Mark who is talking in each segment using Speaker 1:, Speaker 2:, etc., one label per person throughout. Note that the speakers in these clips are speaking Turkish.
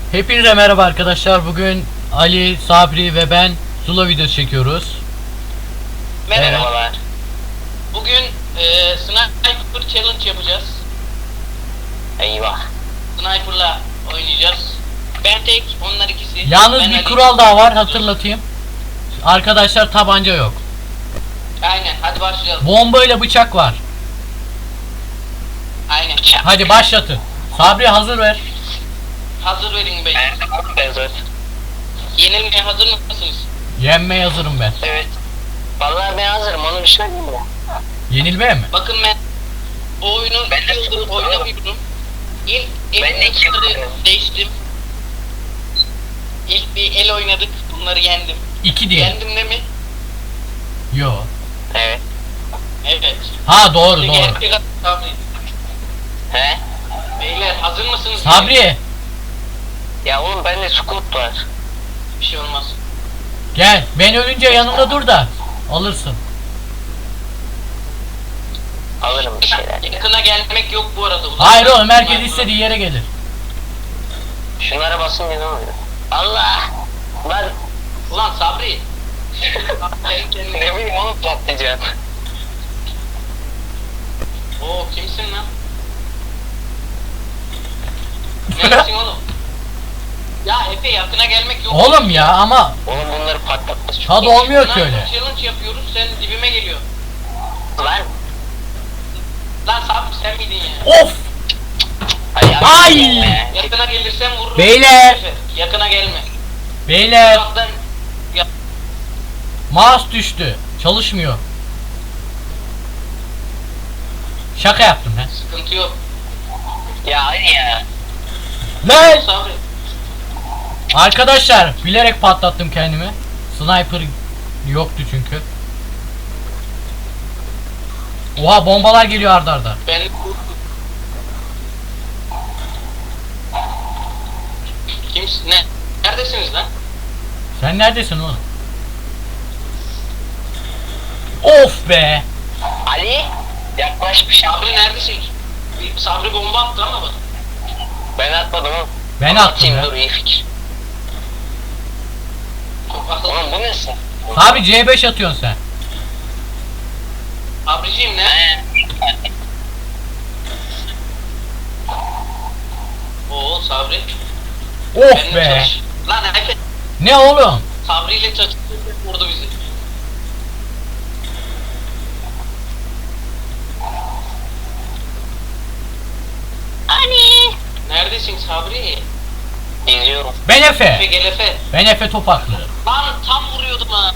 Speaker 1: Hepinize merhaba arkadaşlar. Bugün Ali, Sabri ve ben Zula videosu çekiyoruz.
Speaker 2: Merhabalar. Bugün Sniper Challenge yapacağız.
Speaker 3: Eyvah.
Speaker 2: Sniper'la oynayacağız. Ben tek, onlar ikisi.
Speaker 1: Yalnız
Speaker 2: Ben
Speaker 1: bir
Speaker 2: Ali.
Speaker 1: kural daha var, hatırlatayım. Arkadaşlar tabanca yok.
Speaker 2: Aynen, hadi başlayalım.
Speaker 1: Bomba ile bıçak var.
Speaker 2: Aynen.
Speaker 1: Hadi başlatın. Sabri hazır ver.
Speaker 2: Hazır verin beyler.
Speaker 3: Ben zaten.
Speaker 2: Yenilmeye hazır mısınız?
Speaker 1: Yenmeye hazırım ben.
Speaker 3: Evet. Vallahi ben hazırım, onu bir şey diyeyim mi?
Speaker 1: Yenilmeye mi?
Speaker 2: Bakın ben bu oyunu
Speaker 3: Ben de
Speaker 2: 2 yıldır
Speaker 3: çok
Speaker 2: oynamıyordum. İlk
Speaker 3: Ben de iki yıldır
Speaker 2: el değiştim. İlk bir el oynadık, bunları yendim.
Speaker 1: 2 diye.
Speaker 2: Yendim değil mi?
Speaker 1: Yo.
Speaker 3: Evet.
Speaker 2: Evet.
Speaker 1: Ha doğru
Speaker 2: Şimdi
Speaker 1: doğru.
Speaker 2: gerçek Sabri.
Speaker 3: He?
Speaker 2: Beyler hazır mısınız?
Speaker 1: Sabri
Speaker 3: Ya oğlum bende scoot var.
Speaker 2: Bir şey olmaz.
Speaker 1: gel. Ben ölünce yanımda dur da alırsın.
Speaker 3: Alırım bir şeyler.
Speaker 2: Yakına gelmek yok bu arada.
Speaker 1: Hayır oğlum, herkes istediği yere gelir.
Speaker 3: Şunlara basınca ne oluyor? Allah! Lan
Speaker 2: Ulan Sabri. Senin kendine.
Speaker 3: ne bileyim onu patlayacağım.
Speaker 2: Oo kimsin lan? Neresin oğlum? Ya Efe yakına gelmek yok.
Speaker 1: Oğlum ya ama
Speaker 3: Oğlum bunları patlatması çok...
Speaker 1: tadı olmuyor ki
Speaker 2: Sniper
Speaker 1: öyle.
Speaker 2: Challenge yapıyoruz, sen dibime geliyor.
Speaker 3: Lan!
Speaker 2: Lan Sabri sen miydin ya?
Speaker 1: Of!
Speaker 3: Ay!
Speaker 2: Yakına gelirsen vururum.
Speaker 1: Beyler!
Speaker 2: Efe, yakına gelme.
Speaker 1: Beyler,
Speaker 2: Uzaktan ya,
Speaker 1: mouse düştü. Çalışmıyor. Şaka yaptım ben.
Speaker 2: sıkıntı yok.
Speaker 3: Ya hadi ya.
Speaker 1: Lan!
Speaker 2: Sabri.
Speaker 1: Arkadaşlar bilerek patlattım kendimi. Sniper yoktu çünkü. Oha, bombalar geliyor arda arda.
Speaker 2: Ben kimsin? Ne? Neredesiniz lan?
Speaker 1: Sen neredesin oğlum? Of be!
Speaker 3: Ali! Yaklaş bir şey.
Speaker 2: Sabri neredesin? Sabri bomba attı ama bak.
Speaker 3: Ben atmadım oğlum.
Speaker 1: Ben
Speaker 3: Ama
Speaker 1: attım
Speaker 3: atayım,
Speaker 1: ya.
Speaker 3: dur iyi fikir.
Speaker 2: Çok akıllı.
Speaker 3: Oğlum bu nesin?
Speaker 1: Abi C5 atıyorsun sen.
Speaker 2: Sabriciğim ne? Oo Sabri.
Speaker 1: Of
Speaker 2: Benimle
Speaker 1: be!
Speaker 2: çalış. Lan Efe.
Speaker 1: Ne oğlum?
Speaker 2: Sabri ile çatıştı, vurdu bizi.
Speaker 3: Ali!
Speaker 2: Neredesin Sabri?
Speaker 3: İzliyorum.
Speaker 1: Ben
Speaker 2: Efe
Speaker 1: Efe.
Speaker 2: gel Efe.
Speaker 1: Ben Efe Topaklı.
Speaker 2: Lan tam vuruyordum ha.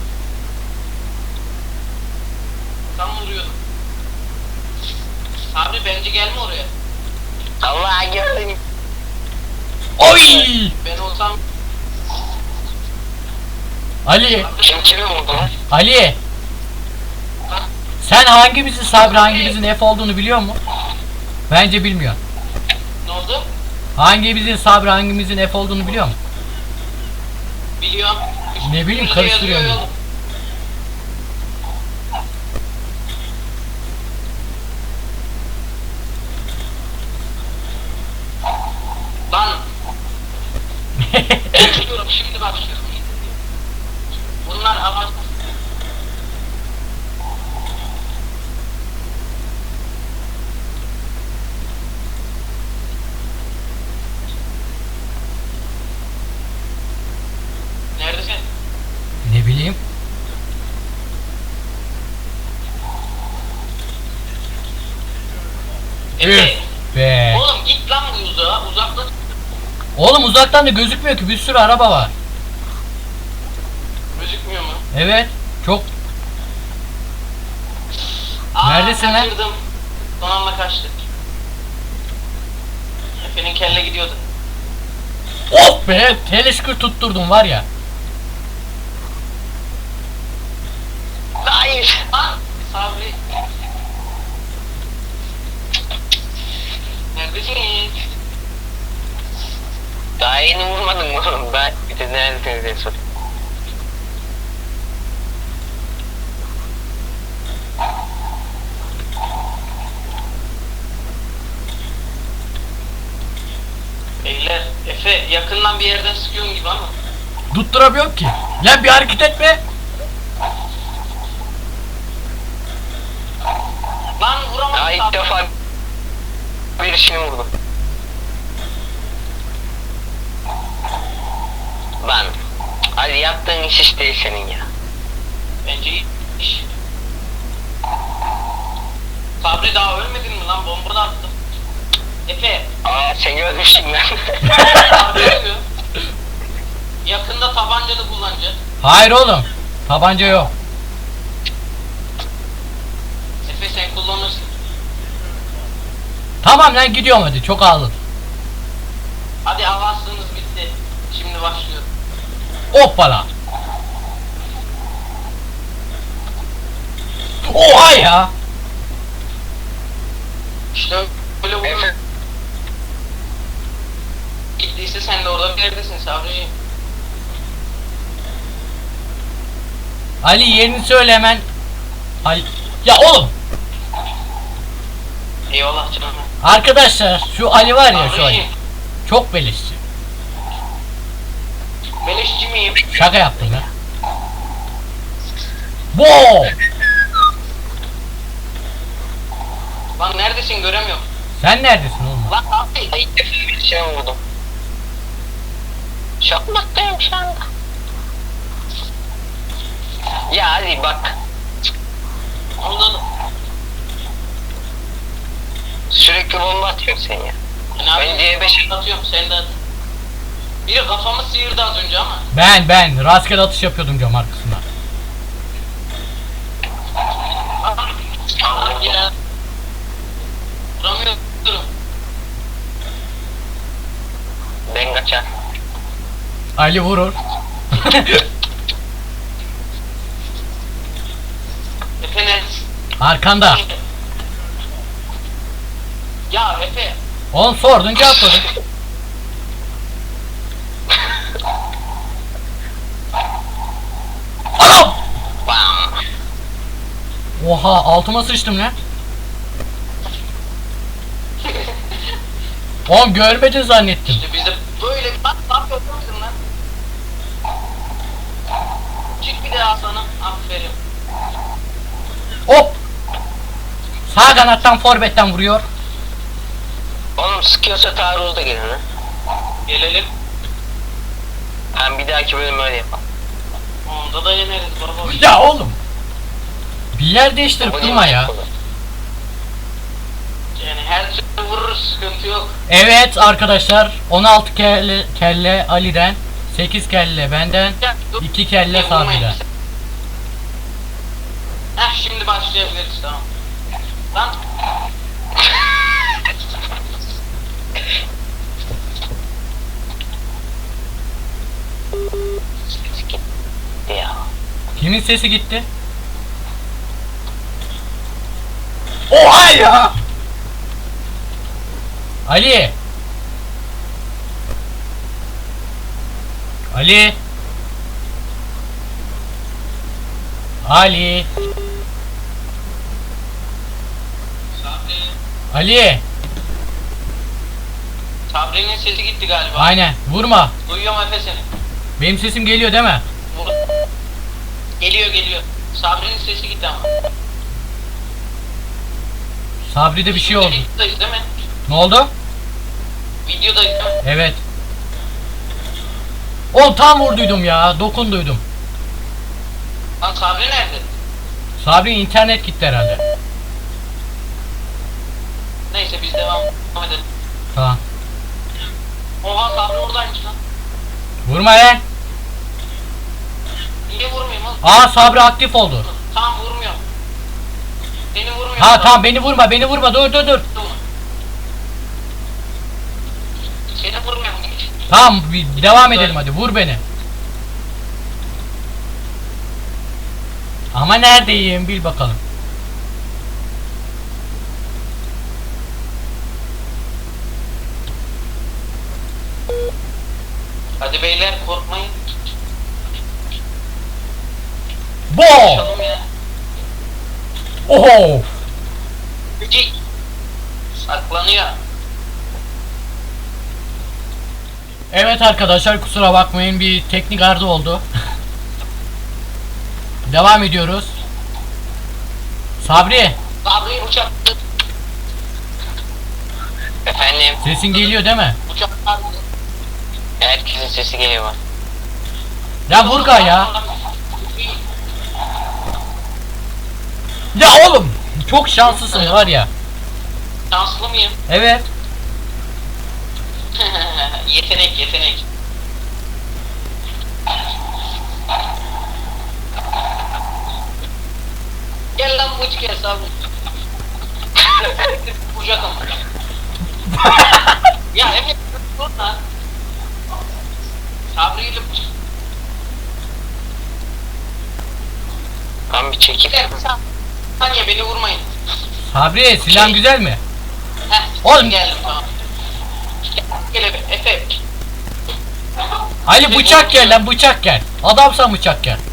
Speaker 2: Tam vuruyordum. Sabri bence gelme oraya.
Speaker 3: Allah gördüm.
Speaker 1: Oy!
Speaker 2: Ben olsam
Speaker 1: Ali,
Speaker 3: Kim kimi vurdu lan?
Speaker 1: Ali. Sen hangimizin Sabri, hangimizin F olduğunu biliyor musun? Bence bilmiyor.
Speaker 2: ne oldu?
Speaker 1: Hangimizin Sabri, hangimizin F olduğunu biliyor musun?
Speaker 2: Biliyorum.
Speaker 1: Ne bileyim,
Speaker 2: Üstümüzde
Speaker 1: karıştırıyorum.
Speaker 2: yazıyor oğlum. Lan başlıyorum şimdi başlıyorum. Bunlar avaç. Neredesin?
Speaker 1: Ne bileyim.
Speaker 2: Efe.
Speaker 1: Üf be.
Speaker 2: Oğlum git lan bu uzağa. Uzakta.
Speaker 1: Oğlum uzaktan da gözükmüyor ki, bir sürü araba var.
Speaker 2: Gözükmüyor mu?
Speaker 1: Evet. Çok. Neredesin lan?
Speaker 2: Kaçırdım. Son anda kaçtık. Efe'nin kelle gidiyordu.
Speaker 1: Of be. Teleşkır tutturdum var ya.
Speaker 3: Hayır.
Speaker 2: Lan Sabri. Neredesin?
Speaker 3: Daha yeni vurmadın mı oğlum? Ben bir de neredesiniz diye sorayım.
Speaker 2: Beyler Efe yakından bir yerden sıkıyorsun gibi ama.
Speaker 1: Tutturamıyorum ki. Lan bir hareket etme.
Speaker 2: Lan vuramadım.
Speaker 3: Daha ilk defa birisini vurdum. Lan Ali yaptığın iş iş değil senin ya.
Speaker 2: Bence iyi iş. Sabri daha ölmedin mi lan? Bomba da attım. Efe.
Speaker 3: Aa seni ölmüştüm ben.
Speaker 2: Sabri ölüyor. Yakında tabanca da kullanacak.
Speaker 1: Hayır oğlum. Tabanca yok.
Speaker 2: Efe sen kullanırsın.
Speaker 1: Tamam lan gidiyorum hadi. Çok ağladın.
Speaker 2: Hadi avansınız bitti. Şimdi başlıyor.
Speaker 1: Hoppala. Oha ya.
Speaker 2: İşte böyle vurur.
Speaker 3: Efe.
Speaker 2: Gittiyse sen de orada bir yerdesin Sabri'ciğim.
Speaker 1: Ali yerini söyle hemen. Ali. Ya oğlum.
Speaker 2: Eyvallah canım.
Speaker 1: Arkadaşlar şu Ali var ya şu Ali.
Speaker 2: Sabri'ciğim.
Speaker 1: Çok beleşçi.
Speaker 2: Beleşçi miyim?
Speaker 1: Şaka yaptım ya. Bo!
Speaker 2: Lan neredesin göremiyorum.
Speaker 1: Sen neredesin oğlum?
Speaker 2: Lan abi.
Speaker 3: Ay ilk defa birisini vurdum. Çok mutluyum şu anda. Ya Ali bak.
Speaker 2: Anladım.
Speaker 3: Sürekli bomba atıyorsun sen ya.
Speaker 2: Yani abi
Speaker 3: Ben C5'e
Speaker 2: atıyorum sen de at. Biri kafamı sıyırdı az önce ama.
Speaker 1: Ben rastgele atış yapıyordum cam arkasından.
Speaker 2: Ah ya. Vuramıyorum.
Speaker 3: ben kaçar.
Speaker 1: Ali vurur.
Speaker 2: Efe ne?
Speaker 1: Arkanda.
Speaker 2: Ya Efe.
Speaker 1: Oğlum sordun cevapladın. Anam!
Speaker 3: Bam.
Speaker 1: Oha altıma sıçtım lan. Oğlum görmedin zannettim.
Speaker 2: İşte biz de böyle bir bak yapıyor musun lan? Çık bir daha sana. Aferin.
Speaker 1: Hop! Sağ kanattan forvetten vuruyor.
Speaker 3: Oğlum sıkıyorsa taarruz da gelin ha.
Speaker 2: Gelelim.
Speaker 3: Hem bir dahaki bölüm öyle yapalım.
Speaker 2: Onda da yeneriz baba.
Speaker 1: Ya oğlum. Bir yer değiştirip durma ya.
Speaker 2: Yani her türlü vururuz sıkıntı yok.
Speaker 1: Evet arkadaşlar 16 kelle Ali'den, 8 kelle benden,
Speaker 2: Ya, dur.
Speaker 1: 2 kelle
Speaker 2: Vurmayın.
Speaker 1: Sabri'den.
Speaker 2: Heh şimdi başlayabiliriz tamam. Lan
Speaker 3: Ya.
Speaker 1: Kimin sesi gitti? Oha ya! Ali! Ali! Ali!
Speaker 2: Sabri.
Speaker 1: Ali!
Speaker 2: Sabri'nin sesi gitti galiba.
Speaker 1: Aynen vurma.
Speaker 2: Duyuyorum Efe seni.
Speaker 1: Benim sesim geliyor değil mi?
Speaker 2: Vur. Geliyor. Sabri'nin sesi gitti ama.
Speaker 1: Sabri'de bir şey oldu.
Speaker 2: Videodayız değil mi?
Speaker 1: Ne oldu?
Speaker 2: Videodayız değil mi?
Speaker 1: Evet. Oğlum tam vurduydum ya. Dokunduydum.
Speaker 2: Lan Sabri nerede?
Speaker 1: Sabri internet gitti herhalde.
Speaker 2: Neyse biz devam edelim.
Speaker 1: Tamam.
Speaker 2: Oha Sabri oradaymış lan.
Speaker 1: Vurma lan.
Speaker 2: Niye vurmayayım oğlum?
Speaker 1: Aa Sabri aktif oldu.
Speaker 2: Tamam vurmuyorum. Seni vurmuyorum.
Speaker 1: Ha tamam beni vurma dur.
Speaker 2: Seni vurmuyorum.
Speaker 1: Tamam devam edelim hadi vur beni. Ama neredeyim bil bakalım.
Speaker 2: Hadi beyler korkmayın.
Speaker 1: Bo!
Speaker 2: Konuşalım ya.
Speaker 1: Oho!
Speaker 2: Saklanıyor.
Speaker 1: Evet arkadaşlar, kusura bakmayın, bir teknik arıza oldu. Devam ediyoruz. Sabri,
Speaker 2: Sabri uçak.
Speaker 3: Efendim,
Speaker 1: sesin geliyor değil mi?
Speaker 2: Uçaklar.
Speaker 3: herkesin sesi geliyor bak.
Speaker 1: Ya Burga ya. Ya oğlum, çok şanslısın var ya.
Speaker 2: Şanslı mıyım?
Speaker 1: Evet.
Speaker 2: Yetenek yetenek. Gel lan bu gel Sabri. Uçakım. Ya evet dur lan. Sabri ile uçak.
Speaker 3: Tam bir çekil.
Speaker 2: Gider saniye beni vurmayın.
Speaker 1: Sabri, silahın güzel mi?
Speaker 2: Heh,
Speaker 1: Oğlum.
Speaker 2: geldim tamam. Gel Efe.
Speaker 1: Ali bıçak gel lan, bıçak gel. Adamsan bıçak gel.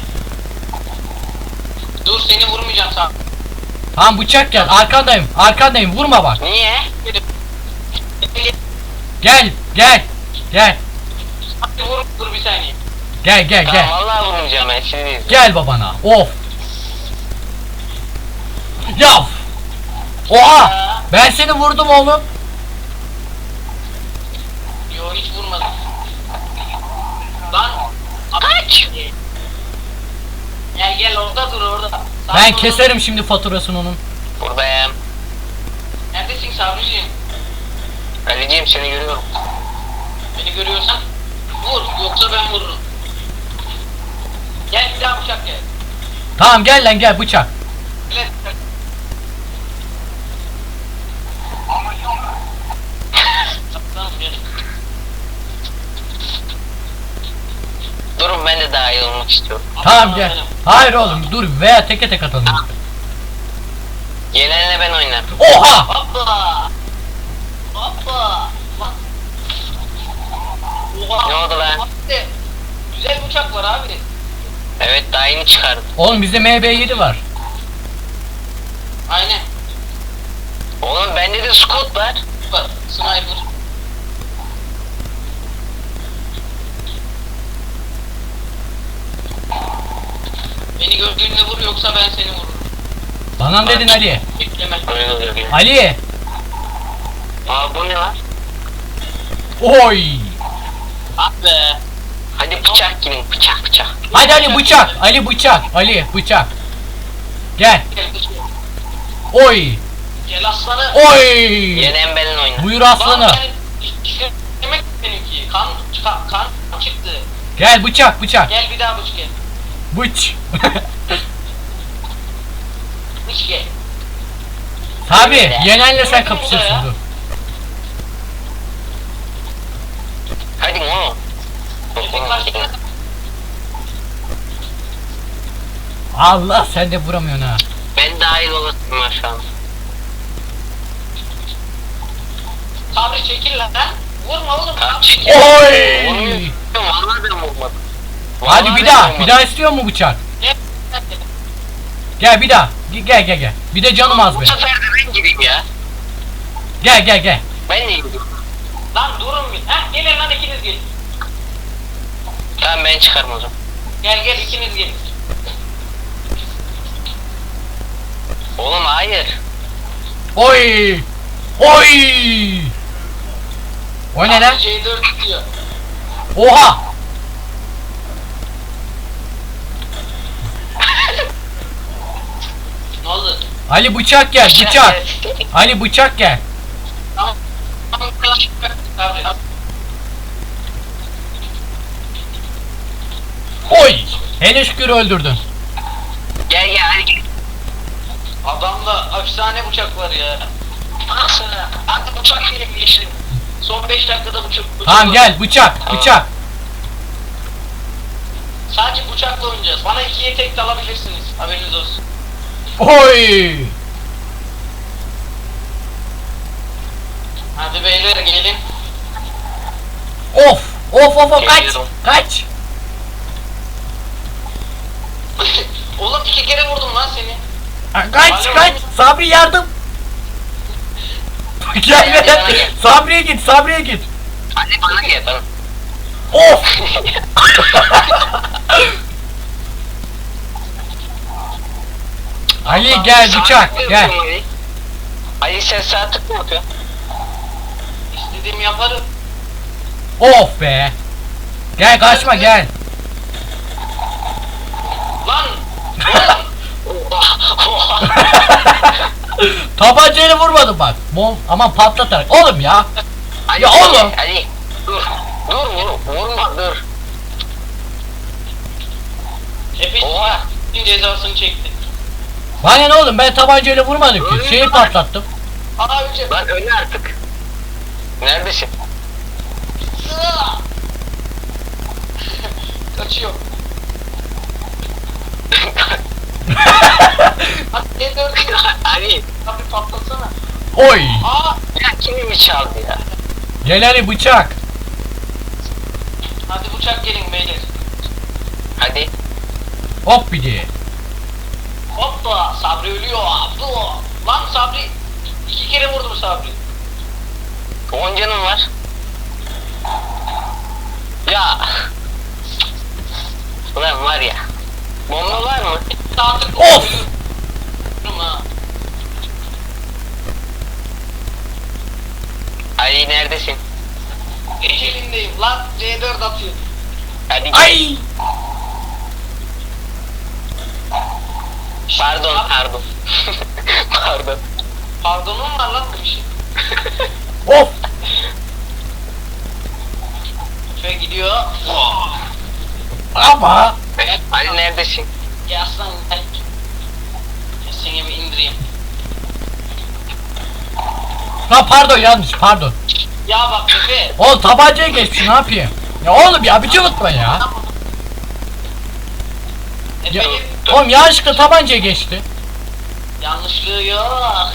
Speaker 2: Dur seni vurmayacağım Sabri.
Speaker 1: Tamam bıçak gel, arkandayım, vurma bak.
Speaker 3: Niye?
Speaker 1: Gel.
Speaker 2: Sabri dur bir saniye.
Speaker 1: Gel.
Speaker 3: Tamam vallahi vurmayacağım ben şimdi.
Speaker 1: Gel babana. Of. Ya. Oha. Ben seni vurdum oğlum.
Speaker 2: Yo hiç vurmadım. Lan. Kaç. Gel orada dur orada. Sabri
Speaker 1: Ben
Speaker 2: orada
Speaker 1: keserim
Speaker 2: dur.
Speaker 1: şimdi faturasını onun.
Speaker 3: Buradayım.
Speaker 2: Neredesin Sabriciğim?
Speaker 3: Ali'ciğim seni görüyorum.
Speaker 2: Beni görüyorsan vur yoksa ben vururum. Gel bir daha bıçak gel.
Speaker 1: Tamam gel lan, gel bıçak.
Speaker 2: Gel. Tamam, gel.
Speaker 3: Durun ben de dahil olmak istiyorum.
Speaker 1: Tamam gel. Hayır oğlum, dur veya teke tek atalım.
Speaker 3: Yenenle ben oynarım.
Speaker 1: Oha.
Speaker 2: Hoppa. Lan. Oha.
Speaker 3: Ne oldu lan?
Speaker 2: Abi, güzel bıçak var abi.
Speaker 3: Evet daha yeni çıkardım.
Speaker 1: Oğlum bizde MB7 var.
Speaker 2: Aynen.
Speaker 3: Oğlum bende de scout var.
Speaker 2: Bak sniper. Beni gördüğünde vur yoksa ben seni vururum.
Speaker 1: Bana mı dedin Ali?
Speaker 2: Bekleme.
Speaker 3: Öyle oluyor gene.
Speaker 1: Ali.
Speaker 3: Aa bu ne lan?
Speaker 1: Oy.
Speaker 2: Ah be.
Speaker 3: Hadi bıçak gidin bıçak.
Speaker 1: Hadi Ali bıçak. Ali bıçak. Gel.
Speaker 2: Gel bıçak.
Speaker 1: Oy.
Speaker 2: Gel aslanı.
Speaker 1: Oy.
Speaker 3: Yenen benimle oynar.
Speaker 1: Buyur aslanı.
Speaker 2: Lan ben demek benimki. Kan çıktı.
Speaker 1: Gel bıçak.
Speaker 2: Gel bir daha bıçak gel.
Speaker 1: Bıç.
Speaker 2: Bıç gel.
Speaker 1: Tabi yenenle sen kapışırsın, dur.
Speaker 3: Hadi oğlum.
Speaker 2: Efe kaçtı.
Speaker 1: Allah, sen de vuramıyorsun ha.
Speaker 3: Ben dahil olasın var şu an.
Speaker 2: Sabri çekil lan. Vurma oğlum.
Speaker 3: Tamam,
Speaker 2: Sabri.
Speaker 3: çekil.
Speaker 1: Oy.
Speaker 3: Vurmuyorum. Vallahi ben vurmadım.
Speaker 1: Hadi
Speaker 3: Vallahi
Speaker 1: bir
Speaker 3: ben
Speaker 1: daha
Speaker 3: vurmadım.
Speaker 1: istiyor mu bıçak?
Speaker 2: Gel.
Speaker 1: Gel bir daha. Gel. Bir de canım az
Speaker 3: Bu
Speaker 1: benim.
Speaker 3: sefer de ben gireyim ya.
Speaker 1: Gel.
Speaker 3: Ben de gidiyorum.
Speaker 2: Lan durun bir. Heh gelin lan ikiniz gelin.
Speaker 3: Tamam ben çıkarım o zaman.
Speaker 2: Gel ikiniz gelin.
Speaker 3: Oğlum hayır.
Speaker 1: Oy. O ne lan?
Speaker 2: Sabri C4 tutuyor.
Speaker 1: Oha.
Speaker 2: Ne oldu?
Speaker 1: Ali bıçak gel, bıçak. Ali bıçak gel.
Speaker 2: Tamam. Sabri.
Speaker 1: Oy. Hele şükür öldürdün.
Speaker 3: Gel hadi gel.
Speaker 2: Adamda efsane bıçak var ya. Bak sana. Hadi bıçak gelin geçtim. Son 5 dakikada bıçak.
Speaker 1: Tamam gel bıçak.
Speaker 2: Sadece bıçakla oynayacağız. Bana 2'ye tek dalabilirsiniz. Haberiniz olsun.
Speaker 1: Oy.
Speaker 2: Hadi beyler gelin.
Speaker 1: Of kaç.
Speaker 3: Geliyorum.
Speaker 1: Kaç.
Speaker 2: Oğlum 2 kere vurdum lan seni.
Speaker 1: Kaç. Sabri yardım. Gel. Sabri'ye git.
Speaker 3: Hadi bana gel bana.
Speaker 1: Of! Ali gel bıçak gel.
Speaker 3: Ali sen sağ tık mı yapıyorsun?
Speaker 2: İstediğimi yaparım.
Speaker 1: Of be. Gel kaçma gel.
Speaker 2: Lan!
Speaker 1: Tabancayla vurmadım bak. Aman patlatarak. Oğlum ya.
Speaker 3: Ali,
Speaker 1: Ya oğlum.
Speaker 3: Ali dur. Vurma dur.
Speaker 2: Efe
Speaker 3: Oha.
Speaker 2: cezasını çekti.
Speaker 1: Bana ne oğlum ben tabancayla vurmadım ki. Şeyi patlattım.
Speaker 2: Aa önce.
Speaker 3: Lan öyle artık. Neredesin?
Speaker 2: Kaçıyor. Hadi D4
Speaker 3: Ali.
Speaker 2: abi patlasana.
Speaker 1: Oy.
Speaker 2: Aa!
Speaker 3: Ya kimi çaldı ya?
Speaker 1: Gel Ali bıçak.
Speaker 2: Hadi bıçak gelin beyler.
Speaker 3: Hadi.
Speaker 1: Hop bir diye.
Speaker 2: Hoppa! Sabri ölüyor. Abdu! Lan Sabri! 2 kere vurdum Sabri.
Speaker 3: 10 canım var. Ya. Ulan var ya. Bomba var mı?
Speaker 2: Artık
Speaker 1: Of!
Speaker 2: ölüyorum ha.
Speaker 3: Ali neredesin?
Speaker 2: Ecelindeyim lan. C4 atıyor.
Speaker 3: Hadi gel.
Speaker 1: Ay.
Speaker 3: Pardon. Pardon.
Speaker 2: Pardonum var lan bu işin.
Speaker 1: Of.
Speaker 2: Şöyle gidiyor.
Speaker 1: Ama.
Speaker 3: Ali neredesin?
Speaker 2: Ya aslan gel. Ya seni bir indireyim.
Speaker 1: Ha pardon yanlış pardon.
Speaker 2: Ya bak Efe.
Speaker 1: Oğlum tabancaya geçmiş ne yapayım? Ya oğlum ya bir cıvıtma ya. Ya,
Speaker 2: Efe'nin
Speaker 1: oğlum yanlışlıkla tabancaya geçti.
Speaker 2: yanlışlığı yok.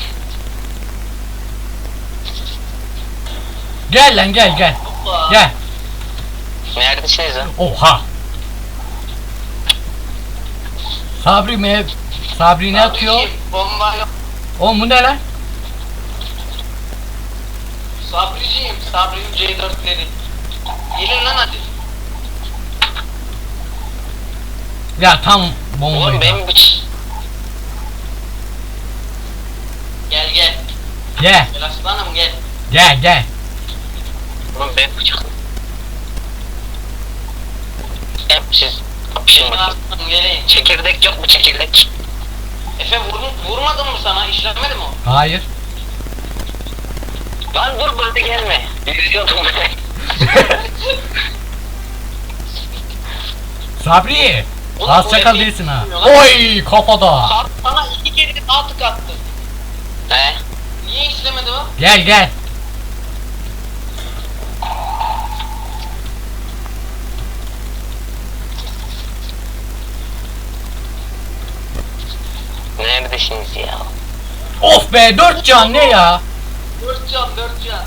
Speaker 1: Gel lan gel.
Speaker 2: Hoppa.
Speaker 1: Gel.
Speaker 3: Neredesiniz lan?
Speaker 1: Oha. Sabri ne atıyor?
Speaker 2: Sabriciğim, bomba yok.
Speaker 1: Oğlum bu ne lan?
Speaker 2: Sabriciğim, Sabri'nin C4'leri. Gelin lan hadi.
Speaker 1: Ya tam bombaydı.
Speaker 3: Oğlum benim
Speaker 2: Gel gel.
Speaker 1: Gel
Speaker 2: Gel aslanım gel.
Speaker 1: gel.
Speaker 3: Oğlum ben bıçak. Hep siz kapışın
Speaker 2: Gelin
Speaker 3: bakayım.
Speaker 2: aslanım gelin.
Speaker 3: Çekirdek yok mu çekirdek?
Speaker 2: Efe vurmadın mı sana? İşlemedi mi o?
Speaker 1: Hayır.
Speaker 3: Lan dur burada gelme. Yüzüyordum ben.
Speaker 1: Sabri.
Speaker 2: Oğlum,
Speaker 1: Az
Speaker 2: bu
Speaker 1: çakal
Speaker 2: Efe
Speaker 1: değilsin ha.
Speaker 2: bilmiyor lan.
Speaker 1: Oy kafada.
Speaker 2: Sana 2 kere daha tık attı.
Speaker 3: He?
Speaker 2: Niye işlemedi o?
Speaker 1: Gel.
Speaker 3: Neredesiniz ya?
Speaker 1: Of be 4 can ne ya?
Speaker 2: 4 can 4 can.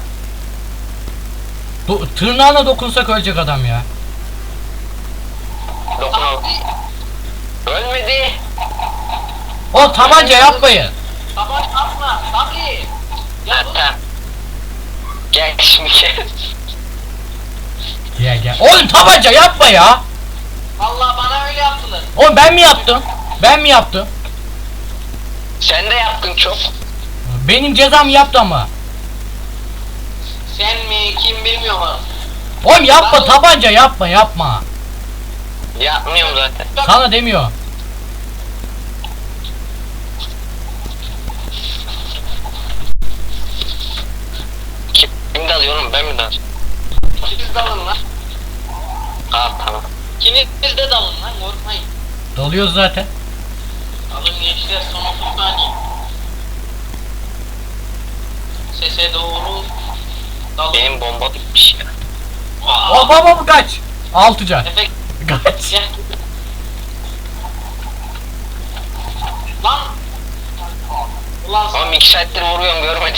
Speaker 1: Tırnağına dokunsak ölecek adam ya.
Speaker 3: Dokunalım. Ölmedi.
Speaker 1: O tabanca yapmayın.
Speaker 2: Tabaş atma. Sabri. Ya
Speaker 3: Ha
Speaker 2: dur.
Speaker 3: tamam. Gel şimdi gel.
Speaker 1: Gel. Oğlum tabanca yapma ya.
Speaker 2: Vallahi bana öyle yaptılar.
Speaker 1: Oğlum ben mi yaptım?
Speaker 3: Sen de yaptın çok.
Speaker 1: Benim cezam yaptı ama.
Speaker 2: Sen mi kim bilmiyorum ama.
Speaker 1: Oğlum yapma tabanca yapma.
Speaker 3: Yapmıyorum zaten.
Speaker 1: Sana demiyor.
Speaker 3: Kim dalıyorum ben mi dalıyorum?
Speaker 2: Siz dalın lan.
Speaker 3: Tamam.
Speaker 2: İkiniz de dalın lan korkmayın.
Speaker 1: Dalıyoruz zaten.
Speaker 2: Alın gençler son 30 saniye. Sese doğru dalın.
Speaker 3: Benim bomba bitmiş ya.
Speaker 1: O baba kaç. 6 can.
Speaker 2: Efe
Speaker 1: Kaç.
Speaker 2: gel. Lan. Ulan
Speaker 3: Oğlum 2 saattir vuruyorum görmedim.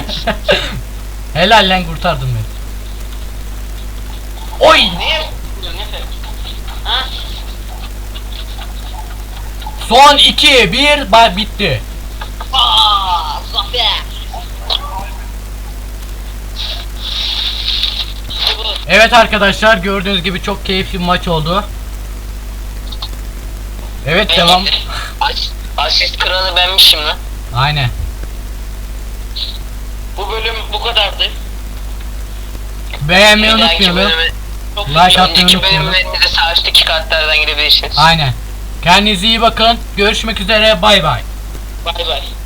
Speaker 1: Helal lan kurtardın beni. Oy.
Speaker 2: niye vuruyorsun Efe? Ha?
Speaker 1: Son 2 1 bitti.
Speaker 2: Zafer. İşte bu.
Speaker 1: Evet arkadaşlar, gördüğünüz gibi çok keyifli bir maç oldu. Evet, devam.
Speaker 3: Asist kralı benmişim lan.
Speaker 1: Aynen.
Speaker 2: Bu bölüm bu kadardı.
Speaker 1: Beğenmeyi
Speaker 3: Bir dahaki
Speaker 1: unutmayalım.
Speaker 3: bölüme,
Speaker 2: Çok
Speaker 1: Like
Speaker 2: teşekkür-
Speaker 1: atmayı
Speaker 3: önceki
Speaker 1: unutmayalım.
Speaker 3: bölümlerinde de sağ üstteki kartlardan girebilirsiniz.
Speaker 1: Aynen. Kendinize iyi bakın. Görüşmek üzere. Bay bay.
Speaker 2: Bay bay.